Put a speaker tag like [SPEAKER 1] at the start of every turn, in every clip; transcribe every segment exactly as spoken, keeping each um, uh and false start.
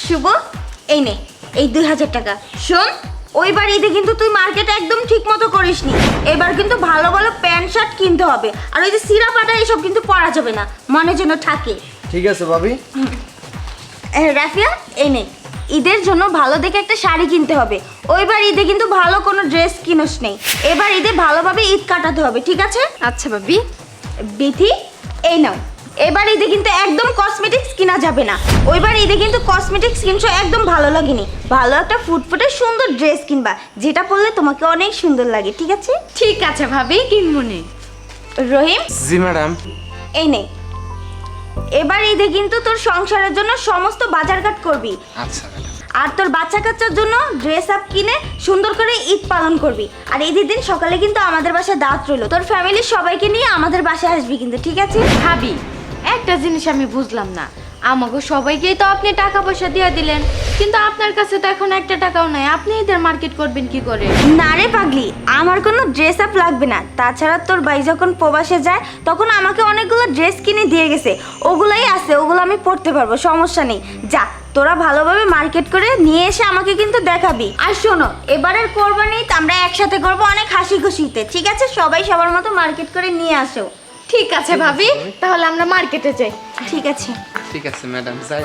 [SPEAKER 1] শুভ, এই নে এই দুই হাজার টাকা। শোন, ওইবার ঈদে কিন্তু তুই মার্কেট একদম ঠিক মতো করিসনি। এবার কিন্তু ভালো ভালো প্যান্ট শার্ট কিনতে হবে, আর ওই যে সিরা পাটা এইসব কিন্তু পরা যাবে না, মনে যেন থাকে।
[SPEAKER 2] ঠিক আছে ভাবি।
[SPEAKER 1] এ, রাফিয়া, এই নে ঈদের জন্য ভালো দেখে একটা শাড়ি কিনতে হবে। ওইবার ঈদে কিন্তু ভালো কোনো ড্রেস কিনোস নেই, এবার ঈদে ভালোভাবে ঈদ কাটাতে হবে, ঠিক আছে?
[SPEAKER 3] আচ্ছা ভাবি।
[SPEAKER 1] বিথি, এই নাও, এবার ঈদে কিন্তু একদম কসমেটিক্স কিনা যাবে না। ওইবার ঈদে কিন্তু কসমেটিক্স কিনছো একদম ভালো লাগেনি। ভালো একটা ফুটফুটে সুন্দর ড্রেস কিনবা, যেটা পরলে তোমাকে অনেক সুন্দর লাগে, ঠিক আছে?
[SPEAKER 3] ঠিক আছে ভাবি, কিনবনি।
[SPEAKER 1] রহিম,
[SPEAKER 4] জি ম্যাডাম।
[SPEAKER 1] এই নে, এবার ঈদে কিন্তু তোর সংসারের জন্য সমস্ত বাজারঘাট করবি।
[SPEAKER 4] আচ্ছা ম্যাডাম।
[SPEAKER 1] আর তোর বাচ্চা কাচ্চার জন্য ড্রেস আপ কিনে সুন্দর করে ঈদ পালন করবি। আর ঈদের দিন সকালে কিন্তু আমাদের বাসায় দাওয়াত রইলো, তোর ফ্যামিলির সবাইকে নিয়ে আমাদের বাসায় আসবি কিন্তু, ঠিক আছে?
[SPEAKER 3] ভাবি, একটা জিনিস আমি বুঝলাম না, আমাকে সবাইকেই তো আপনি টাকা পয়সা দিয়ে দিলেন, কিন্তু আপনার কাছে তো এখন একটা টাকাও নাই, আপনি ঈদের মার্কেট করবেন কি করে?
[SPEAKER 1] না রে পাগলি, আমার কোনো ড্রেস আপ লাগবে না। তাছাড়া তোর ভাই যখন প্রবাসে যায় তখন আমাকে অনেকগুলো ড্রেস কিনে দিয়ে গেছে, ওগুলাই আছে, ওগুলো আমি পরতে পারবো, সমস্যা নেই। যা, তোরা ভালোভাবে মার্কেট করে নিয়ে এসে আমাকে কিন্তু দেখাবি। আর শোনো, এবারের কোরবানি ঈদ আমরা একসাথে করবো, অনেক হাসি খুশিতে, ঠিক আছে? সবাই সবার মতো মার্কেট করে নিয়ে আসো।
[SPEAKER 3] ঠিক আছে ভাবি, তাহলে আমরা মার্কেটে যাই।
[SPEAKER 1] ঠিক আছে।
[SPEAKER 4] ঠিক আছে ম্যাডাম, যাই।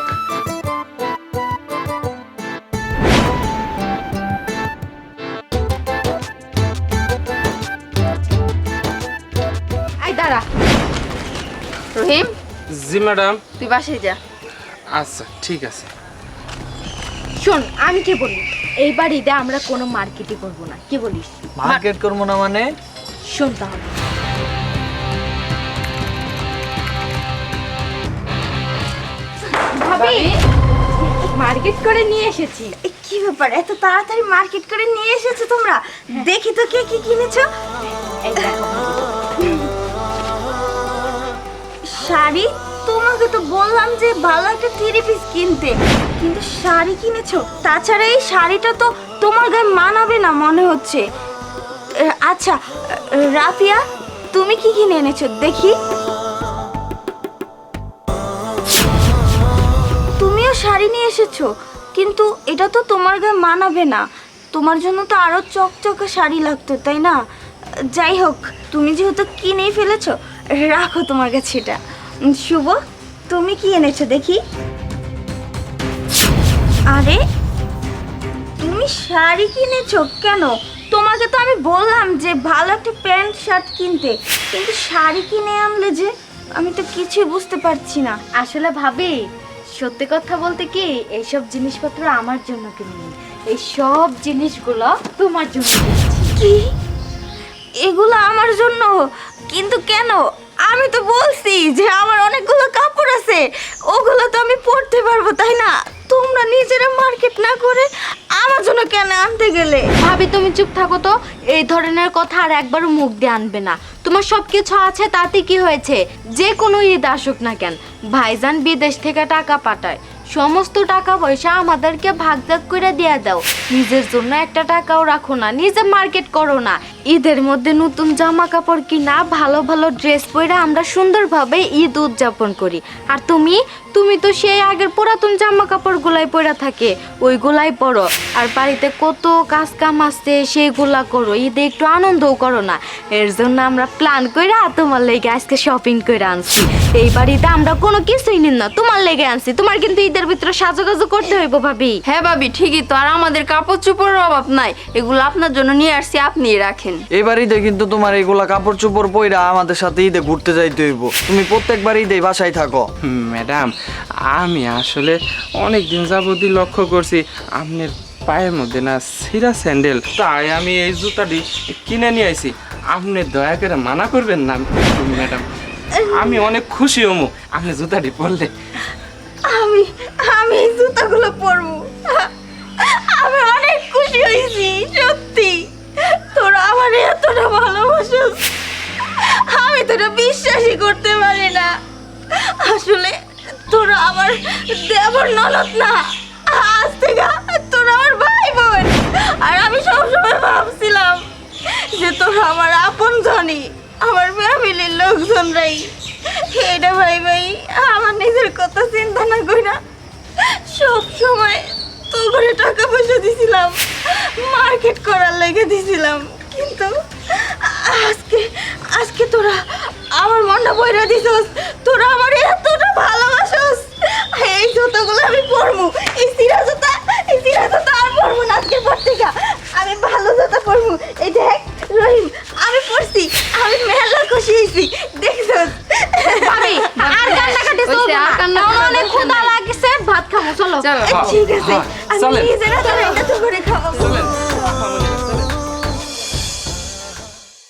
[SPEAKER 3] আই দাঁড়া রহিম,
[SPEAKER 4] জি ম্যাডাম।
[SPEAKER 3] তুই বাসায় যা।
[SPEAKER 4] আচ্ছা ঠিক আছে।
[SPEAKER 3] শোন, আমি কি বলি, এইবার ঈদে আমরা কোনো মার্কেটই করবো না, কি বলিস?
[SPEAKER 2] মার্কেট করবো না মানে?
[SPEAKER 3] শোন তাহলে, ভাবি মার্কেট করে নিয়ে এসেছি।
[SPEAKER 1] এ, কি ব্যাপার, এত তাড়াতাড়ি মার্কেট করে নিয়ে এসেছো তোমরা? দেখি তো কে কি কিনেছো।
[SPEAKER 3] এই দেখো
[SPEAKER 1] শাড়ি, তোমাকে তো বললাম যে ভালো একটা থ্রি পিস কিনতে, কিন্তু শাড়ি কিনেছো? তাছাড়া এই শাড়িটা তো তোমার গায়ে মানাবে না মনে হচ্ছে। এ, আচ্ছা রাফিয়া, তুমি কি কিনে এনেছো দেখি? তুমিও শাড়ি নিয়ে এসেছো, কিন্তু এটা তো তোমার গায়ে মানাবে না। তোমার জন্য তো আরো চকচকে শাড়ি লাগতো, তাই না? যাই হোক, তুমি যেহেতু কিনেই ফেলেছো, রাখো তোমার কাছে এটা। উম, শুভ, তুমি কি এনেছো দেখি? আরে, তুমি শাড়ি কিনেছো কেন? তোমাকে তো আমি বললাম যে ভালো একটা প্যান্ট শার্ট কিনতে, কিন্তু শাড়ি কিনে আনলে যে, আমি তো কিছুই বুঝতে পারছি না।
[SPEAKER 3] আসলে ভাবি, সত্যি কথা বলতে কি, এইসব জিনিসপত্র আমার জন্য কিনিনি, এই সব জিনিসগুলো তোমার জন্য কিনেছি।
[SPEAKER 1] কি? এগুলো আমার জন্য? কিন্তু কেন? আমি তো বলছি যে আমার অনেকগুলো কাপড় আছে, ওগুলো তো আমি পরতে পারবো, তাই না? তোমরা নিজেরা মার্কেট না করে আমার জন্য কেন আনতে গেলে?
[SPEAKER 3] ভাবি তুমি চুপ থাকো তো, এই ধরনের কথা আর একবারও মুখ দিয়ে আনবে না। তোমার সব কিছু আছে, তাতে কি হয়েছে? যে কোনো ঈদ আসুক না কেন, ভাইজান বিদেশ থেকে টাকা পাঠায়, সমস্ত টাকা পয়সা আমাদেরকে ভাগ ভাগ করে দিয়ে দাও। নিজের জন্য একটা টাকাও রাখো না, নিজে মার্কেট করো না। ঈদের মধ্যে নতুন জামা কাপড় কিনা, ভালো ভালো ড্রেস পরে আমরা সুন্দরভাবে ঈদ উদযাপন করি। আর তুমি তুমি তো সেই আগের পুরাতন জামা কাপড় গুলাই পরে থাকে, ওইগুলাই পরো। আর বাড়িতে কত কাজ কাম আছে, সেইগুলা করো, ঈদে একটু আনন্দও করো না। এর জন্য আমরা প্ল্যান কইরা তোমার লেগে আজকে শপিং করে আনছি। এই বাড়িতে আমরা কোনো কিছুই নিন না, তোমার লেগে আনছি। তোমার কিন্তু ঈদের ভিতরে সাজুগাজু করতে হইব ভাবি।
[SPEAKER 5] হ্যাঁ ভাবি, ঠিকই তো, আর আমাদের কাপড় চোপড়ের অভাব নাই, এগুলো আপনার জন্য নিয়ে আসছি, আপনিই রাখেন।
[SPEAKER 2] এবার ঈদে কিন্তু তোমার এইগুলা কাপড় চোপড় পইরা আমাদের সাথে ঈদে ঘুরতে যাইতে হইব। তুমি প্রত্যেকবার ঈদে বাসায় থাকো।
[SPEAKER 4] হুম, ম্যাডাম, আমি আসলে অনেক দিন যাবতই লক্ষ্য করছি আপনার পায়ের মধ্যে না ছিঁড়া স্যান্ডেল, তাই আমি এই জুতাটি কিনে নিয়ে আইছি। আপনি দয়া করে মানা করবেন না ম্যাডাম, আমি অনেক খুশি হমু আপনি জুতাটি পরলে।
[SPEAKER 1] আমি আমি এই জুতাগুলো পরবো, আমি অনেক খুশি হয়েছি। সত্যি তোরা আমার এতটা ভালোবাসিস, আমি তোরা বিশ্বাসই করতে পারি না। আসলে তোরা আমার দেবর ননদ না, আজ থেকে তোরা আমার ভাই বোন। আর আমি সবসময় ভাবছিলাম যে তোরা আমার আপন জনই, আমার ফ্যামিলির লোকজনরাই। এটা ভাই ভাই আমার নিজের কথা চিন্তা না কইরা সব সময় তো করে টাকা পয়সা দিছিলাম, মার্কেট করার লেগে দিছিলাম, কিন্তু আজকে আজকে তোরা আমার মনটা বইরা দিছস, তোরা আমার এতটা ভালোবাসস। এই জুতোগুলো আমি পরবো, এই সিরা জুতা, এই সিরা জুতা আর পরবো না আজকের পর থেকে। আমি ভালো জুতা পরবো। এই দেখ রহিম, আমি পরছি, আমি মেলা খুশি হয়েছি, দেখছস?
[SPEAKER 3] ভাবি আর কান্নাকাটি
[SPEAKER 5] ওই
[SPEAKER 3] চলবে
[SPEAKER 5] সে
[SPEAKER 3] না,
[SPEAKER 5] আর কান্না
[SPEAKER 3] আমার
[SPEAKER 5] করার
[SPEAKER 3] অনেক
[SPEAKER 5] দরকার
[SPEAKER 3] ক্ষুধা
[SPEAKER 5] নেই।
[SPEAKER 3] লাগছে, ভাত খাবো চলো।
[SPEAKER 5] চলো
[SPEAKER 1] ঠিক আছে, আমি
[SPEAKER 4] চলেন।
[SPEAKER 1] নিজেরা তোরা এটা তো করে খাওয়াবো।
[SPEAKER 4] চলেন